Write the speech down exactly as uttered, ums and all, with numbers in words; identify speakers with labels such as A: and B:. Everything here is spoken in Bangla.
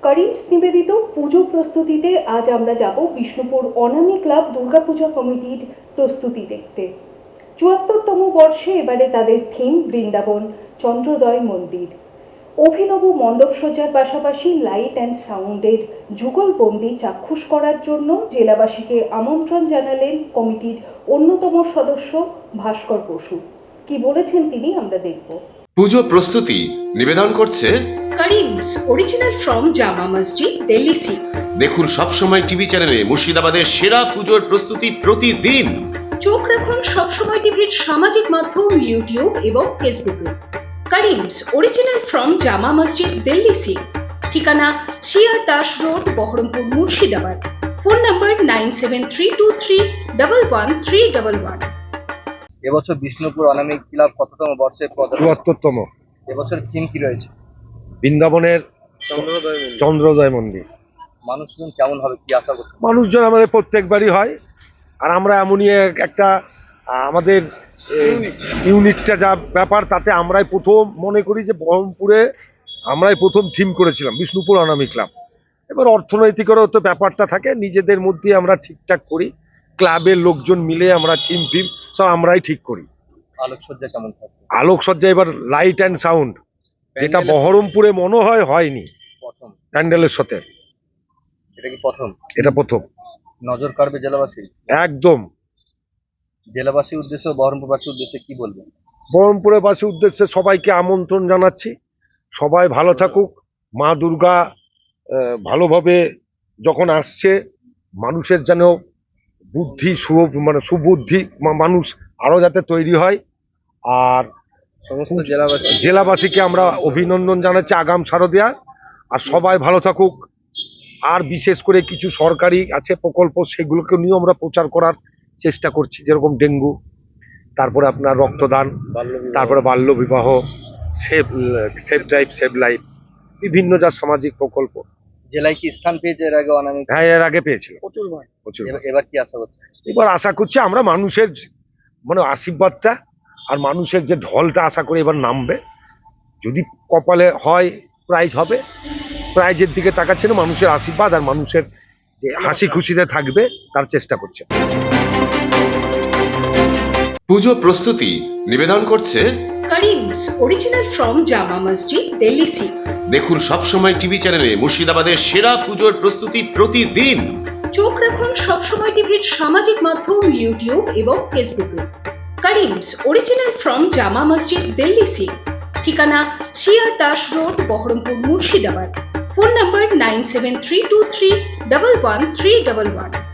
A: করিমস নিবেদিত পুজো প্রস্তুতিতে আজ আমরা যাব বিষ্ণুপুর অনামী ক্লাব দুর্গাপূজা কমিটির প্রস্তুতি দেখতে। চুয়াত্তরতম বর্ষে এবারে তাদের থিম বৃন্দাবন চন্দ্রোদয় মন্দির। অভিনব মণ্ডপসজ্জার পাশাপাশি লাইট অ্যান্ড সাউন্ডের যুগলবন্দি চাক্ষুষ করার জন্য জেলাবাসীকে আমন্ত্রণ জানালেন কমিটির অন্যতম সদস্য ভাস্কর বসু। কি বলেছেন তিনি আমরা দেখব।
B: পুজো প্রস্তুতি নিবেদন করছে
A: Karim's original from Jama Masjid, Delhi six.
B: দেখুন সবসময় টিভি চ্যানেলে মুর্শিদাবাদের সেরা পুজোর প্রস্তুতি প্রতিদিন।
A: চোখ রাখুন সবসময় টিভির সামাজিক মাধ্যম ইউটিউব এবং ফেসবুকে। Karim's original from Jama Masjid, Delhi six. ঠিকানা CR Das road, Baharampur, Murshidabad. Phone number nine seven three two three one one three one one.
C: এবছর বিষ্ণুপুর অনামী ক্লাব কততম বর্ষে?
D: চুয়াত্তরতম।
C: এবছর থিম কি রয়েছে?
D: বৃন্দাবনের চন্দ্রোদয় মন্দির।
C: মানুষজন কেমন হবে, কি আশা করছে?
D: মানুষজন আমাদের প্রত্যেকবারই হয়, আর আমরা এমনই এক- একটা আহ, আমাদের ইউনিটটা যা ব্যাপার, তাতে আমরাই প্রথম মনে করি যে বহরমপুরে আমরাই প্রথম থিম করেছিলাম বিষ্ণুপুর অনামী ক্লাব। এবার অর্থনৈতিকেরও তো ব্যাপারটা থাকে, নিজেদের মধ্যে আমরা ঠিকঠাক করি, ক্লাবের লোকজন মিলে আমরা থিম ফিম সব আমরাই ঠিক করি।
C: আলোকসজ্জা কেমন থাকবে?
D: আলোকসজ্জা এবার লাইট অ্যান্ড সাউন্ড, যেটা বহরমপুরে মনে হয় হয়নি
C: প্রথম
D: প্যান্ডেলের সাথে,
C: এটা কি প্রথম?
D: এটা প্রথম।
C: নজর কাড়বে জেলাবাসী?
D: একদম।
C: জেলাবাসীর উদ্দেশ্যে, বহরমপুরবাসীর উদ্দেশ্যে কি বলবেন?
D: বহরমপুরের বাসীর উদ্দেশ্যে সবাইকে আমন্ত্রণ জানাচ্ছি, সবাই ভালো থাকুক। মা দুর্গা আহ, ভালোভাবে যখন আসছে, মানুষের যেন বুদ্ধি শুভ মানে সুবুদ্ধি মা- মানুষ আরো যাতে তৈরি হয়। আর
C: সমস্ত জেলাবাসী
D: জেলাবাসীকে আমরা অভিনন্দন জানাচ্ছি আগাম শারদিয়া, আর সবাই ভালো থাকুক। আর বিশেষ করে কিছু সরকারি আছে প্রকল্প, সেগুলোকে নিয়েও আমরা প্রচার করার চেষ্টা করছি, যেরকম ডেঙ্গু, তারপরে আপনার রক্তদান, তারপরে বাল্য বিবাহ, save save life save life, বিভিন্ন যা সামাজিক প্রকল্প।
C: জেলায় কি স্থান পেয়েছে এর আগে অনামী?
D: হ্যাঁ, এর আগে পেয়েছিল প্রচুর প্রচুর।
C: এবার- এবার কি আশা করছে?
D: এবার আশা করছি আমরা মানুষের মানে আশীর্বাদটা আর মানুষের যে ঢলটা আশা করি এবার নামবে। যদি কপালে হয় প্রাইজ হবে, প্রাইজের দিকে তাকাচ্ছে না, মানুষের আশীর্বাদ আর মানুষের যে হাসি খুশিতে থাকবে তার চেষ্টা করছে।
B: পুজো প্রস্তুতি নিবেদন করছে
A: Karim's original from Jama Masjid, Delhi six.
B: দেখুন সবসময় টিভি চ্যানেলে মুর্শিদাবাদের সেরা পুজোর প্রস্তুতি প্রতিদিন।
A: চোখ রাখুন সবসময় টিভির সামাজিক মাধ্যম ইউটিউব এবং ফেসবুকে। Karim's original from Jama Masjid, Delhi six. ঠিকানা CR Das road, Baharampur, Murshidabad. Phone number nine seven three two three one one three one one.